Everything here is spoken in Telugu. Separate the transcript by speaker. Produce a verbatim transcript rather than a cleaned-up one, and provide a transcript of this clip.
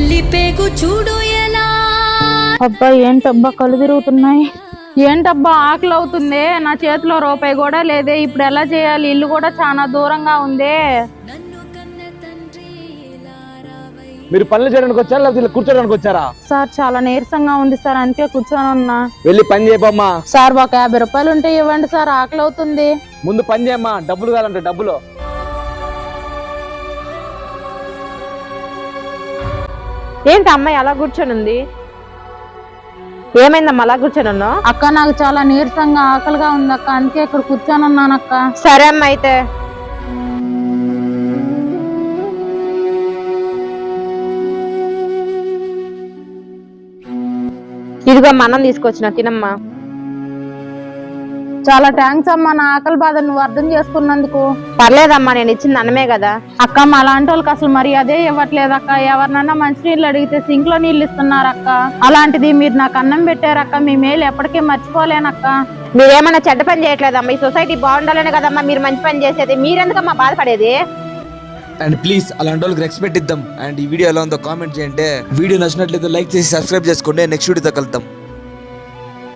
Speaker 1: పిల్లి పేగు చూడు ఎలా.
Speaker 2: అబ్బా ఏంటబ్బా కళ్ళు తిరుగుతున్నాయి, ఏంటబ్బా ఆకలి అవుతుంది, నా చేతిలో రూపాయి కూడా లేదే, ఇప్పుడు ఎలా చేయాలి, ఇల్లు కూడా చాలా దూరంగా ఉందే.
Speaker 3: మీరు పనులు చేయడానికి వచ్చారా లేకపోతే కూర్చోడానికి వచ్చారా?
Speaker 2: సార్ చాలా నీరసంగా ఉంది సార్, అందుకే కూర్చొని ఉన్నా.
Speaker 3: వెళ్ళి పని చేయమ్మా.
Speaker 2: సార్ ఒక యాభై రూపాయలు ఉంటే ఇవ్వండి సార్, ఆకలి అవుతుంది.
Speaker 3: ముందు పని చేయమ్మా, డబ్బులు కావాలంటే డబ్బులు.
Speaker 4: ఏంటి అమ్మాయి అలా కూర్చొని ఉంది, ఏమైందమ్మా అలా కూర్చొని ఉన్నావు?
Speaker 2: అక్క నాకు చాలా నీరసంగా ఆకలిగా ఉంది అక్క, అందుకే ఇక్కడ కూర్చొని ఉన్నాను అక్క.
Speaker 4: సరే అమ్మ అయితే. ఇదిగో మనం తీసుకొచ్చిన తినమ్మా.
Speaker 2: చాలా థ్యాంక్స్ అమ్మా, నా ఆకలి బాధ నువ్వు అర్థం చేసుకున్నందుకు.
Speaker 4: పర్లేదమ్మా, నేను ఇచ్చింది అన్నమే కదా.
Speaker 2: అక్క మా లాంటి వాళ్ళకి అసలు మరి అదే ఇవ్వట్లేదు అక్క, ఎవరినన్నా మంచినీళ్ళు అడిగితే సింక్ లో నీళ్ళు ఇస్తున్నారు అక్క, అలాంటిది మీరు నాకు అన్నం పెట్టారక్క, మీ మేలు ఎప్పటికీ మర్చిపోలేనక్క.
Speaker 4: మీరేమన్నా చెడ్డ పని చేయట్లేదమ్మా, ఈ సొసైటీ బాగుండాలనే కదమ్మా మీరు మంచి పని చేసేది, మీరెందుకమ్మా బాధపడేది?
Speaker 5: అండ్ ప్లీజ్ అలాంటి వాళ్ళకి రెస్పెక్ట్ ఇద్దాం. అండ్ ఈ వీడియో ఎలా ఉందో కామెంట్ చేయండి. వీడియో నచ్చినట్లయితే లైక్ చేసి సబ్స్క్రైబ్ చేసుకోండి. నెక్స్ట్ వీడియోతో కలుద్దాం.